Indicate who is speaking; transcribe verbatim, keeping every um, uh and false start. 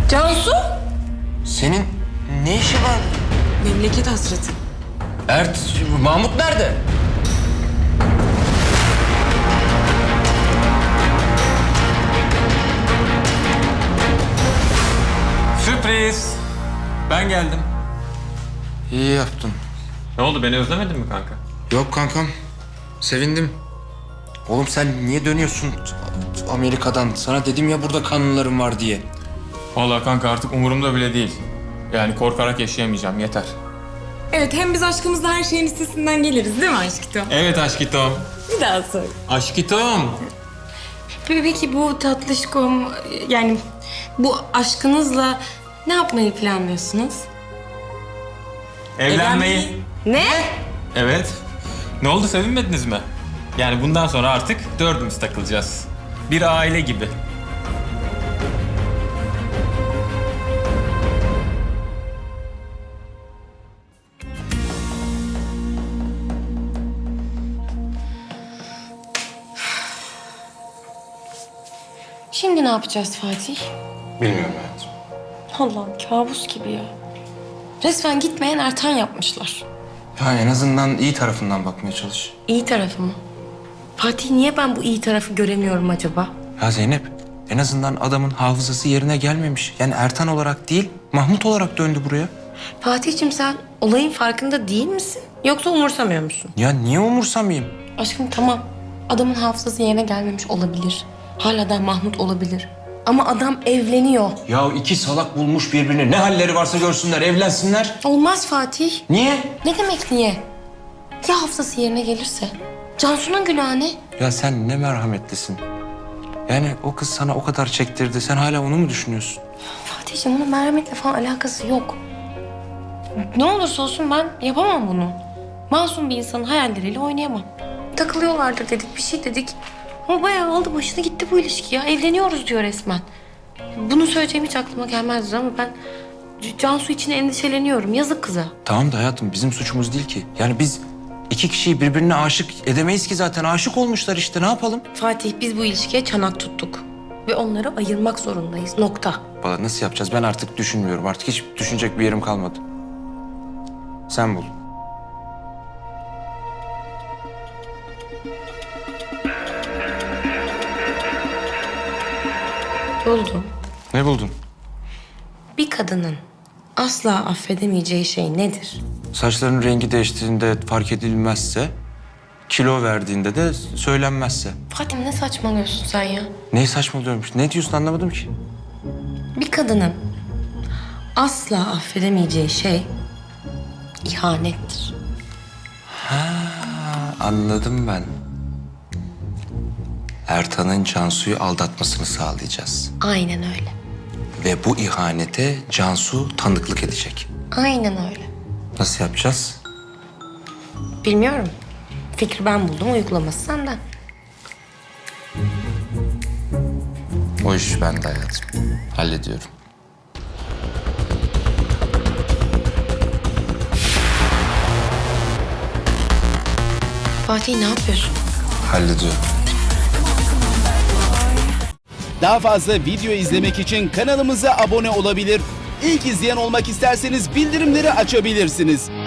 Speaker 1: Cansu?
Speaker 2: Senin ne işi var?
Speaker 1: Memleket hasreti.
Speaker 2: Ert, Mahmut nerede?
Speaker 3: Sürpriz. Ben geldim.
Speaker 2: İyi yaptın.
Speaker 3: Ne oldu, beni özlemedin mi kanka?
Speaker 2: Yok kankam, sevindim. Oğlum sen niye dönüyorsun Amerika'dan? Sana dedim ya burada kanunlarım var diye.
Speaker 3: Vallahi kanka artık umurumda bile değil. Yani korkarak yaşayamayacağım, yeter.
Speaker 1: Evet, hem biz aşkımızla her şeyin üstesinden geliriz değil mi aşkito?
Speaker 3: Evet aşkitom.
Speaker 1: Bir daha söyle.
Speaker 3: Aşkitom.
Speaker 1: Peki bu tatlışkom, yani bu aşkınızla ne yapmayı planlıyorsunuz?
Speaker 3: Evlenmeyi.
Speaker 1: Ne?
Speaker 3: Evet. Ne oldu, sevinmediniz mi? Yani bundan sonra artık dördümüz takılacağız. Bir aile gibi.
Speaker 1: Şimdi ne yapacağız Fatih?
Speaker 2: Bilmiyorum hayatım.
Speaker 1: Allah'ım kabus gibi ya. Resmen gitmeyen Ertan yapmışlar.
Speaker 2: Ya en azından iyi tarafından bakmaya çalış.
Speaker 1: İyi tarafı mı? Fatih, niye ben bu iyi tarafı göremiyorum acaba?
Speaker 2: Ya Zeynep, en azından adamın hafızası yerine gelmemiş. Yani Ertan olarak değil, Mahmut olarak döndü buraya.
Speaker 1: Fatih'cim, sen olayın farkında değil misin? Yoksa umursamıyor musun?
Speaker 2: Ya niye umursamayayım?
Speaker 1: Aşkım tamam. Adamın hafızası yerine gelmemiş olabilir. Hala da Mahmut olabilir. Ama adam evleniyor.
Speaker 2: Ya iki salak bulmuş birbirini. Ne halleri varsa görsünler, evlensinler.
Speaker 1: Olmaz Fatih.
Speaker 2: Niye?
Speaker 1: Ne demek niye? Ya hafızası yerine gelirse? Cansu'nun günahı ne?
Speaker 2: Ya sen ne merhametlisin. Yani o kız sana o kadar çektirdi. Sen hala onu mu düşünüyorsun?
Speaker 1: Fatih'cim, bunun merhametle falan alakası yok. Ne olursa olsun ben yapamam bunu. Masum bir insanın hayalleriyle oynayamam. Takılıyorlardır dedik, bir şey dedik. Ama bayağı aldı başını gitti bu ilişki ya. Evleniyoruz diyor resmen. Bunu söyleyeceğim hiç aklıma gelmezdi ama ben C- Cansu için endişeleniyorum. Yazık kıza.
Speaker 2: Tamam da hayatım bizim suçumuz değil ki. Yani biz iki kişiyi birbirine aşık edemeyiz ki zaten. Aşık olmuşlar işte, ne yapalım?
Speaker 1: Fatih, biz bu ilişkiye çanak tuttuk. Ve onları ayırmak zorundayız. Nokta.
Speaker 2: Valla nasıl yapacağız ben artık düşünmüyorum. Artık hiç düşünecek bir yerim kalmadı. Sen bul.
Speaker 1: Buldum.
Speaker 2: Ne buldun?
Speaker 1: Bir kadının asla affedemeyeceği şey nedir?
Speaker 2: Saçlarının rengi değiştiğinde fark edilmezse, kilo verdiğinde de söylenmezse.
Speaker 1: Fatih, ne saçmalıyorsun sen ya?
Speaker 2: Ne saçmalıyormuş? Ne diyorsun anlamadım ki.
Speaker 1: Bir kadının asla affedemeyeceği şey ihanettir.
Speaker 2: Anladım ben. Ertan'ın Cansu'yu aldatmasını sağlayacağız.
Speaker 1: Aynen öyle.
Speaker 2: Ve bu ihanete Cansu tanıklık edecek.
Speaker 1: Aynen öyle.
Speaker 2: Nasıl yapacağız?
Speaker 1: Bilmiyorum. Fikri ben buldum, uygulaması senden.
Speaker 2: O iş bende hayatım. Hallediyorum.
Speaker 1: Fatih, ne yapıyorsun?
Speaker 2: Hallediyorum.
Speaker 4: Daha fazla video izlemek için kanalımıza abone olabilir. İlk izleyen olmak isterseniz bildirimleri açabilirsiniz.